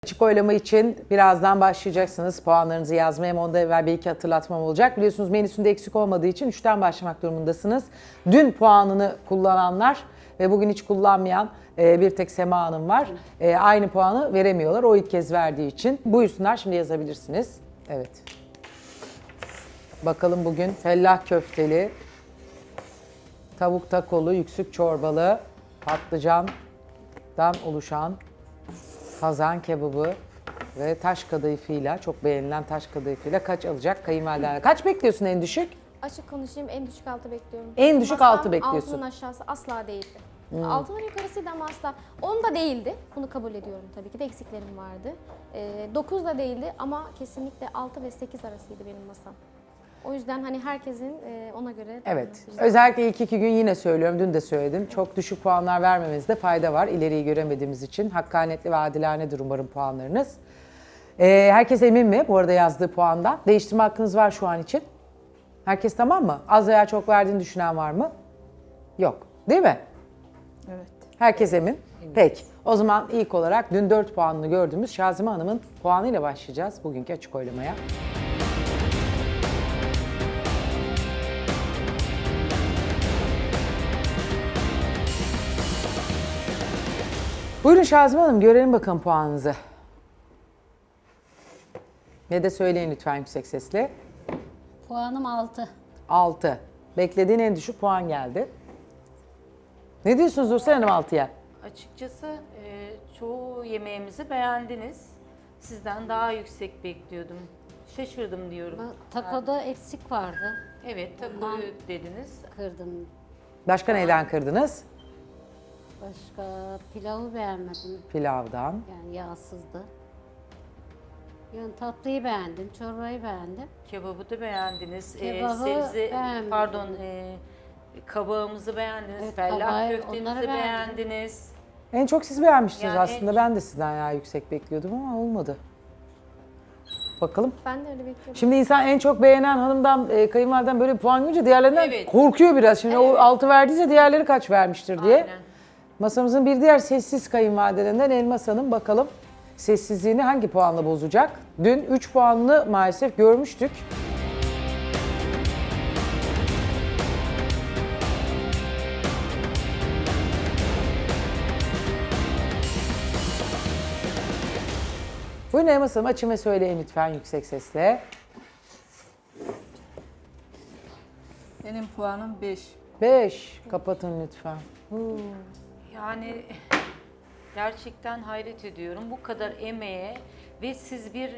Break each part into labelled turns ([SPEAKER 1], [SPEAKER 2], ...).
[SPEAKER 1] Açık oylama için birazdan başlayacaksınız. Puanlarınızı yazmaya hem ondan evvel bir iki hatırlatmam olacak. Biliyorsunuz menüsünde eksik olmadığı için 3'ten başlamak durumundasınız. Dün puanını kullananlar ve bugün hiç kullanmayan bir tek Sema Hanım var. Aynı puanı veremiyorlar o ilk kez verdiği için. Buyursunlar, şimdi yazabilirsiniz. Evet. Bakalım bugün fellah köfteli, tavuk takolu, yüksük çorbalı, patlıcandan oluşan kazan kebabı ve taş kadayıfıyla, çok beğenilen taş kadayıfıyla kaç alacak kayınvaliden? Kaç bekliyorsun en düşük?
[SPEAKER 2] Açık konuşayım, en düşük 6 bekliyorum.
[SPEAKER 1] En düşük
[SPEAKER 2] Masam
[SPEAKER 1] 6 bekliyorsun.
[SPEAKER 2] Altının aşağısı asla değildi. Altının yukarısıydı ama asla. 10 da değildi. Bunu kabul ediyorum tabii ki de, eksiklerim vardı. 9 da değildi ama kesinlikle 6 ve 8 arasıydı benim masam. O yüzden hani herkesin ona göre...
[SPEAKER 1] Evet. Özellikle ilk 2 gün yine söylüyorum, dün de söyledim. Çok düşük puanlar vermemizde fayda var. İleriyi göremediğimiz için. Hakkaniyetli ve adilanedir umarım puanlarınız. Herkes emin mi bu arada yazdığı puandan? Değiştirme hakkınız var şu an için. Herkes tamam mı? Az veya çok verdiğini düşünen var mı? Yok. Değil mi?
[SPEAKER 3] Evet.
[SPEAKER 1] Herkes emin. Peki. O zaman ilk olarak dün 4 puanını gördüğümüz Şazime Hanım'ın puanıyla başlayacağız bugünkü açık oylamaya. Buyurun Şazime Hanım, görelim bakalım puanınızı. Ne de söyleyin lütfen yüksek sesle.
[SPEAKER 4] Puanım 6.
[SPEAKER 1] 6. Beklediğin en düşük puan geldi. Ne diyorsunuz Nursel Hanım 6'ya?
[SPEAKER 3] Açıkçası çoğu yemeğimizi beğendiniz. Sizden daha yüksek bekliyordum. Şaşırdım diyorum.
[SPEAKER 4] Takoda eksik vardı.
[SPEAKER 3] Evet, takoyu dediniz.
[SPEAKER 4] Kırdım.
[SPEAKER 1] Başka neyden kırdınız?
[SPEAKER 4] Başka pilavı beğenmedim.
[SPEAKER 1] Pilavdan.
[SPEAKER 4] Yani yağsızdı. Yani tatlıyı beğendim, çorbayı beğendim.
[SPEAKER 3] Kebabı da beğendiniz.
[SPEAKER 4] Kebabı beğenmedim.
[SPEAKER 3] Pardon, kabağımızı beğendiniz.
[SPEAKER 4] Evet,
[SPEAKER 3] Fellah
[SPEAKER 4] kabağı,
[SPEAKER 3] köftemizi
[SPEAKER 4] onları beğendim.
[SPEAKER 3] beğendiniz.
[SPEAKER 1] En çok siz beğenmiştiniz
[SPEAKER 3] Yani
[SPEAKER 1] aslında. Ben de sizden ya yüksek bekliyordum ama olmadı. Bakalım.
[SPEAKER 2] Ben de öyle bekliyorum.
[SPEAKER 1] Şimdi insan en çok beğenen hanımdan, kayınvaliden böyle bir puan görünce diğerlerinden
[SPEAKER 3] Evet.
[SPEAKER 1] korkuyor biraz. Şimdi o 6 verdiyse diğerleri kaç vermiştir diye.
[SPEAKER 3] Aynen.
[SPEAKER 1] Masamızın bir diğer sessiz kayınvalidelerinden Elmas Hanım, bakalım sessizliğini hangi puanla bozacak? Dün 3 puanını maalesef görmüştük. Buyurun Elmas Hanım, açın ve söyleyin lütfen yüksek sesle.
[SPEAKER 5] Benim puanım 5.
[SPEAKER 1] 5. Kapatın lütfen.
[SPEAKER 3] Yani gerçekten hayret ediyorum. Bu kadar emeğe ve siz bir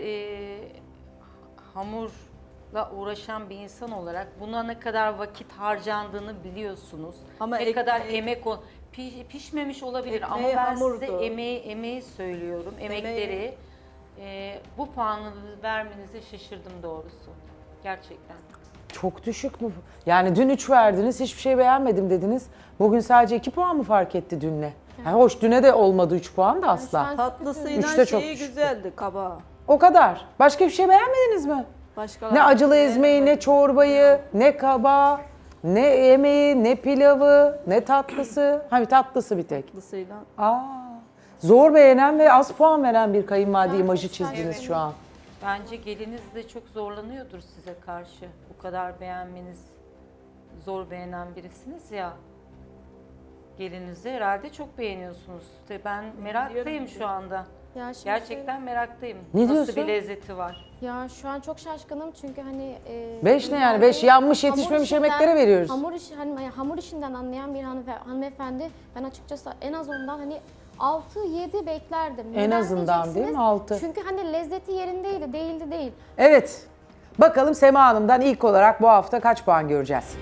[SPEAKER 3] hamurla uğraşan bir insan olarak buna ne kadar vakit harcandığını biliyorsunuz.
[SPEAKER 5] Ama
[SPEAKER 3] ne kadar
[SPEAKER 5] ekmeği-
[SPEAKER 3] emek pişmemiş olabilir ama
[SPEAKER 5] Ekmeği
[SPEAKER 3] ben
[SPEAKER 5] hamurdu.
[SPEAKER 3] size emeği söylüyorum. Emekleri bu puanı vermenize şaşırdım doğrusu. Gerçekten.
[SPEAKER 1] Çok düşük mü? Yani dün 3 verdiniz, hiçbir şey beğenmedim dediniz. Bugün sadece 2 puan mı fark etti dünle? Yani hoş, düne de olmadı 3 puan da asla.
[SPEAKER 2] şu an-
[SPEAKER 5] Tatlısıyla
[SPEAKER 1] Üçte çok
[SPEAKER 5] şeyi
[SPEAKER 1] düşüktü.
[SPEAKER 5] güzeldi, kabağı.
[SPEAKER 1] O kadar. Başka bir şey beğenmediniz mi?
[SPEAKER 5] Başka
[SPEAKER 1] Ne acılı ezmeyi, ne çorbayı, ne kabağı, ne yemeği, ne pilavı, ne tatlısı. Hani tatlısı bir tek.
[SPEAKER 5] tatlısıyla.
[SPEAKER 1] Zor beğenen ve az puan veren bir kayınvalide
[SPEAKER 2] Ben
[SPEAKER 1] imajı
[SPEAKER 2] çok
[SPEAKER 1] çizdiniz
[SPEAKER 2] şaşırdım.
[SPEAKER 1] şu an.
[SPEAKER 3] Bence geliniz de çok zorlanıyordur size karşı. Bu kadar beğenmeniz, zor beğenen birisiniz ya. Gelinizi herhalde çok beğeniyorsunuz. İşte ben meraktayım şu anda.
[SPEAKER 2] Ya şimdi
[SPEAKER 3] Gerçekten meraktayım.
[SPEAKER 1] Ne
[SPEAKER 3] Nasıl
[SPEAKER 1] diyorsun?
[SPEAKER 3] bir lezzeti var?
[SPEAKER 2] Ya şu an çok şaşkınım çünkü hani...
[SPEAKER 1] 5 ne yani? 5 yanmış yetişmemiş yemeklere veriyoruz.
[SPEAKER 2] Hamur işinden anlayan bir hanımefendi, ben açıkçası en az ondan hani 6-7 beklerdim.
[SPEAKER 1] En
[SPEAKER 2] Neden
[SPEAKER 1] azından değil mi?
[SPEAKER 2] diyeceksiniz?
[SPEAKER 1] 6.
[SPEAKER 2] Çünkü hani lezzeti yerindeydi, değildi değil.
[SPEAKER 1] Evet. Bakalım Sema Hanım'dan ilk olarak bu hafta kaç puan göreceğiz?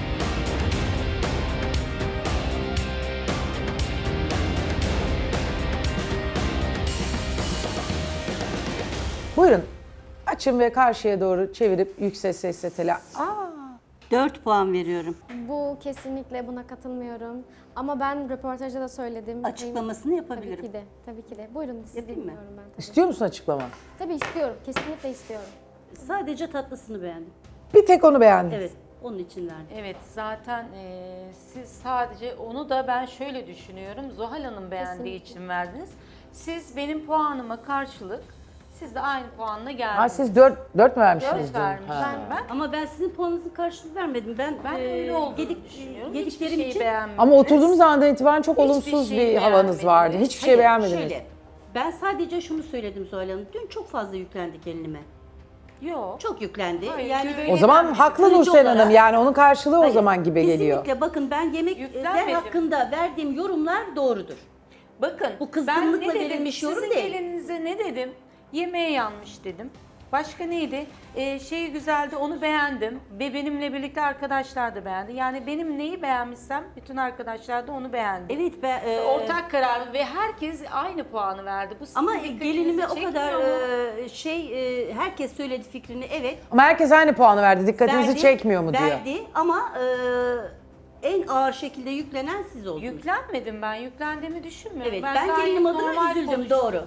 [SPEAKER 1] Buyurun. Açın ve karşıya doğru çevirip yüksek sesle
[SPEAKER 4] 4 puan veriyorum.
[SPEAKER 2] Bu kesinlikle, buna katılmıyorum. Ama ben röportajda da söyledim.
[SPEAKER 4] Açıklamasını yapabilirim.
[SPEAKER 2] Tabii ki de, tabii ki de. Buyurun, sizi
[SPEAKER 4] Yapayım mı?
[SPEAKER 2] dinliyorum ben tabii.
[SPEAKER 1] İstiyor musun açıklama?
[SPEAKER 2] Tabii istiyorum, kesinlikle istiyorum.
[SPEAKER 4] Sadece tatlısını beğendim.
[SPEAKER 1] Bir tek onu beğendim.
[SPEAKER 4] Evet, onun için verdim.
[SPEAKER 3] Evet, zaten siz sadece onu da ben şöyle düşünüyorum. Zuhal Hanım beğendiği
[SPEAKER 2] Kesinlikle.
[SPEAKER 3] için verdiniz. Siz benim puanıma karşılık, siz de aynı puanla geldiniz.
[SPEAKER 1] Ha, siz 4 mü vermişsiniz?
[SPEAKER 3] 4
[SPEAKER 1] dün?
[SPEAKER 3] vermişim
[SPEAKER 1] Ha.
[SPEAKER 3] ben.
[SPEAKER 4] Ama ben sizin puanınızın karşılığını vermedim. Ben
[SPEAKER 3] Öyle olduğunu düşünüyorum.
[SPEAKER 4] yediklerim
[SPEAKER 3] Hiçbir şeyi
[SPEAKER 4] için
[SPEAKER 3] beğenmediniz.
[SPEAKER 1] Ama oturduğumuz andan itibaren çok
[SPEAKER 3] Hiçbir
[SPEAKER 1] olumsuz
[SPEAKER 3] şeyi
[SPEAKER 1] bir havanız vardı.
[SPEAKER 3] beğenmediniz.
[SPEAKER 1] Hiçbir şey beğenmediniz.
[SPEAKER 4] Şöyle, ben sadece şunu söyledim Zuhal Hanım. Dün çok fazla yüklendi gelinime.
[SPEAKER 3] Yok.
[SPEAKER 4] Çok yüklendi.
[SPEAKER 3] Hayır,
[SPEAKER 4] yani
[SPEAKER 3] güven-
[SPEAKER 4] böyle
[SPEAKER 1] O zaman haklı
[SPEAKER 4] kırıcı
[SPEAKER 1] Nursel
[SPEAKER 4] olarak-
[SPEAKER 1] Hanım, yani onun karşılığı o
[SPEAKER 4] Hayır,
[SPEAKER 1] zaman gibi geliyor.
[SPEAKER 4] Kesinlikle bakın, ben yemekler
[SPEAKER 3] Yüklenmedim.
[SPEAKER 4] hakkında verdiğim yorumlar doğrudur.
[SPEAKER 3] Bakın
[SPEAKER 4] Bu kızgınlıkla
[SPEAKER 3] ben ne dedim,
[SPEAKER 4] verilmiş yorum
[SPEAKER 3] sizin
[SPEAKER 4] değil.
[SPEAKER 3] gelinize ne dedim? Yemeğe yanmış dedim. Başka neydi? Şeyi güzeldi, onu beğendim. Ve benimle birlikte arkadaşlar da beğendi. Yani benim neyi beğenmişsem bütün arkadaşlar da onu beğendi.
[SPEAKER 4] Evet, ben
[SPEAKER 3] Ortak karar ve herkes aynı puanı verdi. Bu sizin
[SPEAKER 4] ama
[SPEAKER 3] dikkatinizi
[SPEAKER 4] gelinime o
[SPEAKER 3] çekmiyor
[SPEAKER 4] kadar
[SPEAKER 3] mu?
[SPEAKER 4] herkes söyledi fikrini, evet.
[SPEAKER 1] Ama herkes aynı puanı verdi. Dikkatinizi
[SPEAKER 4] Verdi,
[SPEAKER 1] çekmiyor mu diyor.
[SPEAKER 4] Verdi ama en ağır şekilde yüklenen siz oldunuz.
[SPEAKER 3] Yüklenmedim ben. Yüklendiğimi düşünmüyorum.
[SPEAKER 4] Evet, ben
[SPEAKER 3] gayet
[SPEAKER 4] gelinim adına
[SPEAKER 3] normal
[SPEAKER 4] üzüldüm,
[SPEAKER 3] konuştum.
[SPEAKER 4] doğru.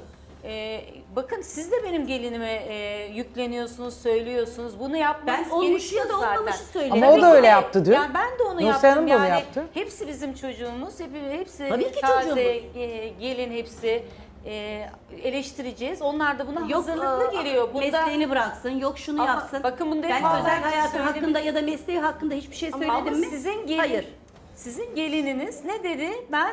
[SPEAKER 3] Bakın siz de benim gelinime yükleniyorsunuz, söylüyorsunuz. Bunu yapmanız
[SPEAKER 4] Ben olmuşu ya da
[SPEAKER 3] gerekiyor
[SPEAKER 4] olmamışı
[SPEAKER 3] zaten.
[SPEAKER 4] söyledim.
[SPEAKER 1] Ama o da
[SPEAKER 3] Tabii
[SPEAKER 1] öyle
[SPEAKER 3] ki.
[SPEAKER 1] yaptı dün.
[SPEAKER 3] Yani ben de onu
[SPEAKER 1] Nursel
[SPEAKER 3] yaptım.
[SPEAKER 1] Hanım da onu
[SPEAKER 3] Yani
[SPEAKER 1] yaptı.
[SPEAKER 3] hepsi bizim çocuğumuz, hepsi
[SPEAKER 4] Tabii ki
[SPEAKER 3] taze,
[SPEAKER 4] çocuğumuz.
[SPEAKER 3] gelin hepsi eleştireceğiz. Onlar da buna
[SPEAKER 4] Yok
[SPEAKER 3] hazırlıklı geliyor. Bunda
[SPEAKER 4] mesleğini bıraksın, yok şunu
[SPEAKER 3] Ama
[SPEAKER 4] yapsın.
[SPEAKER 3] bakın bunda
[SPEAKER 4] ben
[SPEAKER 3] hep
[SPEAKER 4] özel
[SPEAKER 3] ben
[SPEAKER 4] hayatı
[SPEAKER 3] söyledim.
[SPEAKER 4] hakkında ya da mesleği hakkında hiçbir şey söyledim
[SPEAKER 3] ama
[SPEAKER 4] mi?
[SPEAKER 3] sizin gelin,
[SPEAKER 4] Hayır.
[SPEAKER 3] sizin gelininiz ne dedi? Ben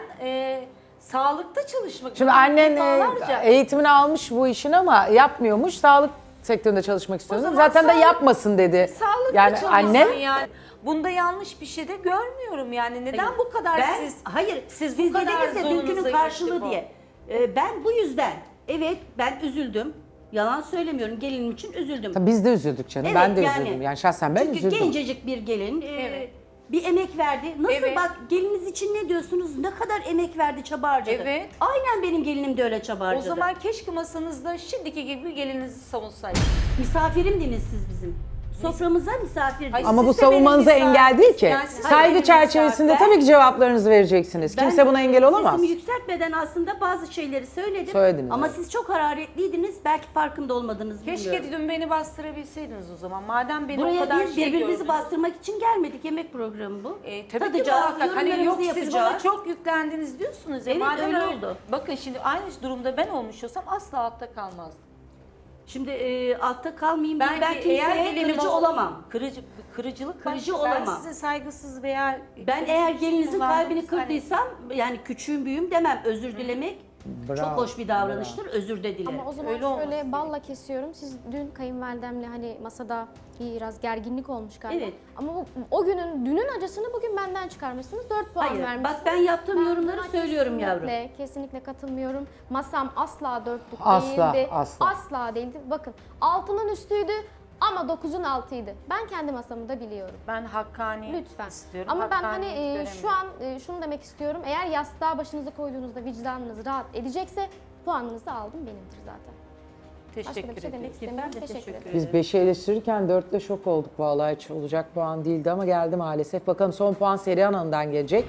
[SPEAKER 3] sağlıkta çalışmak
[SPEAKER 1] Şimdi
[SPEAKER 3] istiyorum
[SPEAKER 1] annen
[SPEAKER 3] defalarca.
[SPEAKER 1] eğitimini almış bu işin ama yapmıyormuş. Sağlık sektöründe çalışmak istiyordu.
[SPEAKER 3] zaman
[SPEAKER 1] Zaten de
[SPEAKER 3] sağlık-
[SPEAKER 1] yapmasın dedi.
[SPEAKER 3] Sağlıklı
[SPEAKER 1] Yani
[SPEAKER 3] çalışsın
[SPEAKER 1] annem
[SPEAKER 3] yani. Bunda yanlış bir şey de görmüyorum yani. Neden bu kadar
[SPEAKER 4] Ben,
[SPEAKER 3] siz
[SPEAKER 4] hayır,
[SPEAKER 3] siz
[SPEAKER 4] siz
[SPEAKER 3] bu kadar
[SPEAKER 4] dediniz ya
[SPEAKER 3] zorunuza
[SPEAKER 4] dünkünün
[SPEAKER 3] gitti
[SPEAKER 4] karşılığı
[SPEAKER 3] bu?
[SPEAKER 4] diye. Ben bu yüzden, evet ben üzüldüm. Yalan söylemiyorum, gelinim için üzüldüm.
[SPEAKER 1] Tabii biz de üzüldük canım.
[SPEAKER 4] Evet,
[SPEAKER 1] ben de
[SPEAKER 4] yani.
[SPEAKER 1] üzüldüm. Yani şahsen ben
[SPEAKER 4] Çünkü
[SPEAKER 1] üzüldüm.
[SPEAKER 4] gencecik bir gelin,
[SPEAKER 3] Evet.
[SPEAKER 4] bir emek verdi. Nasıl
[SPEAKER 3] Evet.
[SPEAKER 4] bak, geliniz için ne diyorsunuz? Ne kadar emek verdi, çaba harcadı.
[SPEAKER 3] Evet.
[SPEAKER 4] Aynen benim gelinim de öyle çaba
[SPEAKER 3] O
[SPEAKER 4] harcadı.
[SPEAKER 3] zaman keşke masanızda şimdiki gibi gelinizi savunsaydınız.
[SPEAKER 4] Misafirimdiniz siz bizim. Soframıza misafirdiniz.
[SPEAKER 3] Hayır,
[SPEAKER 1] Ama bu
[SPEAKER 3] siz de benim
[SPEAKER 1] savunmanıza
[SPEAKER 3] misafir-
[SPEAKER 1] engel değil ki.
[SPEAKER 3] Yani siz de
[SPEAKER 1] Saygı
[SPEAKER 3] benim
[SPEAKER 1] çerçevesinde
[SPEAKER 3] misafir-
[SPEAKER 1] tabii ki cevaplarınızı vereceksiniz.
[SPEAKER 4] Ben
[SPEAKER 1] Kimse buna engel olamaz.
[SPEAKER 4] Sesimi yükseltmeden aslında bazı şeyleri söyledim.
[SPEAKER 1] Söylediniz,
[SPEAKER 4] Ama
[SPEAKER 1] evet.
[SPEAKER 4] siz çok hararetliydiniz. Belki farkında olmadınız,
[SPEAKER 3] Keşke
[SPEAKER 4] bilmiyorum.
[SPEAKER 3] dün beni bastırabilseydiniz o zaman. Madem beni o
[SPEAKER 4] Buraya
[SPEAKER 3] kadar
[SPEAKER 4] biz
[SPEAKER 3] şey
[SPEAKER 4] birbirimizi
[SPEAKER 3] gördünüz.
[SPEAKER 4] bastırmak için gelmedik. Yemek programı bu.
[SPEAKER 3] Tabii ki
[SPEAKER 4] Tadacağız,
[SPEAKER 3] muhakkak. Hani yok
[SPEAKER 4] yorumlarımızı
[SPEAKER 3] siz bana
[SPEAKER 4] yapacağız.
[SPEAKER 3] çok yüklendiniz diyorsunuz ya.
[SPEAKER 4] Evet,
[SPEAKER 3] Madem
[SPEAKER 4] öyle oldu.
[SPEAKER 3] Bakın şimdi aynı durumda ben olmuş olsam asla altta kalmazdım.
[SPEAKER 4] Şimdi altta kalmayayım diye ben
[SPEAKER 3] Belki eğer
[SPEAKER 4] kimseye
[SPEAKER 3] gelinim
[SPEAKER 4] kırıcı olamam.
[SPEAKER 3] Kırıcılık
[SPEAKER 4] Kırıcı
[SPEAKER 3] başka. Ben
[SPEAKER 4] olamam.
[SPEAKER 3] size saygısız veya
[SPEAKER 4] Ben eğer gelinizin
[SPEAKER 3] kullandığınız
[SPEAKER 4] kalbini
[SPEAKER 3] hani-
[SPEAKER 4] kırdıysam, yani küçüğüm büyüğüm demem. Özür dilemek çok
[SPEAKER 1] Bravo,
[SPEAKER 4] hoş bir davranıştır. Özür de dilerim.
[SPEAKER 2] Ama o zaman
[SPEAKER 3] Öyle olması
[SPEAKER 2] şöyle balla kesiyorum. Siz dün kayınvalidemle hani masada biraz gerginlik olmuş galiba.
[SPEAKER 4] Evet.
[SPEAKER 2] Ama o günün, dünün acısını bugün benden çıkarmışsınız. 4 puan
[SPEAKER 4] Hayır,
[SPEAKER 2] vermişsiniz.
[SPEAKER 4] bak ben yaptığım yorumları
[SPEAKER 2] buna
[SPEAKER 4] söylüyorum yavrum.
[SPEAKER 2] Kesinlikle katılmıyorum. Masam asla 4'lük
[SPEAKER 1] Asla,
[SPEAKER 2] değildi.
[SPEAKER 1] asla.
[SPEAKER 2] Asla değildi. Bakın 6'nın üstüydü ama 9'un altıydı. Ben kendi masamı da biliyorum.
[SPEAKER 3] Ben hakkani
[SPEAKER 2] Lütfen.
[SPEAKER 3] istiyorum.
[SPEAKER 2] Ama ben hani
[SPEAKER 3] Hakkaniyet göremiyorum.
[SPEAKER 2] şu an şunu demek istiyorum. Eğer yastığa başınızı koyduğunuzda vicdanınız rahat edecekse puanınızı aldım benimdir zaten. Başka
[SPEAKER 3] Teşekkür
[SPEAKER 2] da bir şey
[SPEAKER 3] ederim.
[SPEAKER 2] demek istemiyorum. Teşekkür ederim.
[SPEAKER 1] Biz 5'i eleştirirken 4'te şok olduk vallahi, hiç olacak puan değildi ama geldi maalesef. Bakalım son puan Serihan Hanım'dan gelecek.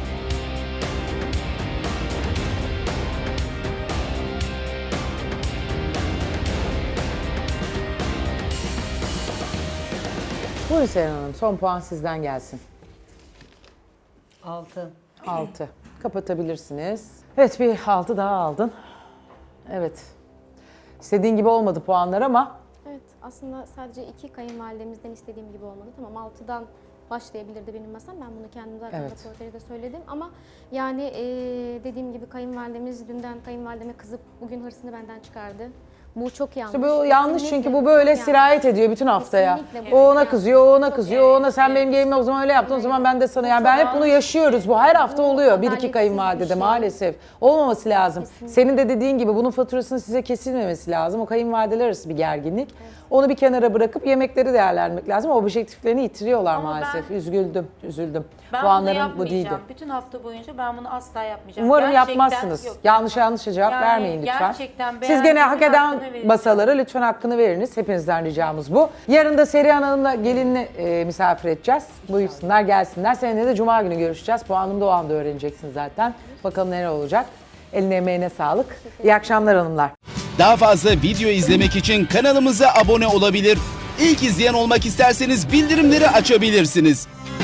[SPEAKER 1] Buyurun Serihan Hanım, son puan sizden gelsin.
[SPEAKER 4] 6.
[SPEAKER 1] 6. Kapatabilirsiniz. Evet, bir 6 daha aldın. Evet. İstediğin gibi olmadı puanlar ama
[SPEAKER 2] Evet, aslında sadece 2 kayınvalidemizden istediğim gibi olmadı. Tamam 6'dan başlayabilirdi benim masam. Ben bunu kendim zaten
[SPEAKER 1] Evet.
[SPEAKER 2] röportajda söyledim. Ama yani dediğim gibi kayınvalidemiz dünden kayınvalideme kızıp bugün hırsını benden çıkardı. Bu çok yanlış.
[SPEAKER 1] İşte bu yanlış,
[SPEAKER 2] Kesinlikle
[SPEAKER 1] çünkü bu böyle
[SPEAKER 2] yanlış.
[SPEAKER 1] sirayet ediyor bütün haftaya.
[SPEAKER 2] Kesinlikle bu
[SPEAKER 1] O ona
[SPEAKER 2] yanlış.
[SPEAKER 1] kızıyor, o ona
[SPEAKER 2] Çok
[SPEAKER 1] kızıyor, o ona
[SPEAKER 2] evet,
[SPEAKER 1] sen
[SPEAKER 2] evet.
[SPEAKER 1] benim gelinime o zaman öyle yaptın, o zaman ben de sana. Yani
[SPEAKER 2] çok
[SPEAKER 1] ben hep bunu
[SPEAKER 2] yanlış.
[SPEAKER 1] yaşıyoruz. Bu her hafta
[SPEAKER 2] Bu
[SPEAKER 1] oluyor. Bir iki
[SPEAKER 2] adaletsiz
[SPEAKER 1] kayınvalidede
[SPEAKER 2] bir şey.
[SPEAKER 1] maalesef. Olmaması lazım.
[SPEAKER 2] Kesinlikle.
[SPEAKER 1] Senin de dediğin gibi bunun faturasının size kesilmemesi lazım. O kayınvalideler arası bir gerginlik. Onu bir kenara bırakıp yemekleri değerlendirmek lazım. O objektiflerini yitiriyorlar
[SPEAKER 3] Ama
[SPEAKER 1] maalesef.
[SPEAKER 3] ben-
[SPEAKER 1] Üzüldüm.
[SPEAKER 3] Ben bunu
[SPEAKER 1] Puanlarım bu
[SPEAKER 3] yapmayacağım.
[SPEAKER 1] değildi.
[SPEAKER 3] Bütün hafta boyunca ben bunu asla yapmayacağım.
[SPEAKER 1] Umarım
[SPEAKER 3] Gerçekten
[SPEAKER 1] yapmazsınız.
[SPEAKER 3] yok.
[SPEAKER 1] Yanlış cevap
[SPEAKER 3] Yani
[SPEAKER 1] vermeyin lütfen.
[SPEAKER 3] gerçekten
[SPEAKER 1] Siz
[SPEAKER 3] beğendim,
[SPEAKER 1] gene hak eden
[SPEAKER 3] hakkını verin.
[SPEAKER 1] masalara lütfen hakkını veriniz. Hepinizden ricamız bu. Yarın da Serihan Hanım'la gelinini misafir edeceğiz. Buyursunlar, gelsinler. Seninle de Cuma günü görüşeceğiz. Puanını da o anda öğreneceksin zaten. Bakalım neler olacak. Eline emeğine sağlık. İyi akşamlar hanımlar.
[SPEAKER 6] Daha fazla video izlemek için kanalımıza abone olabilir. İlk izleyen olmak isterseniz bildirimleri açabilirsiniz.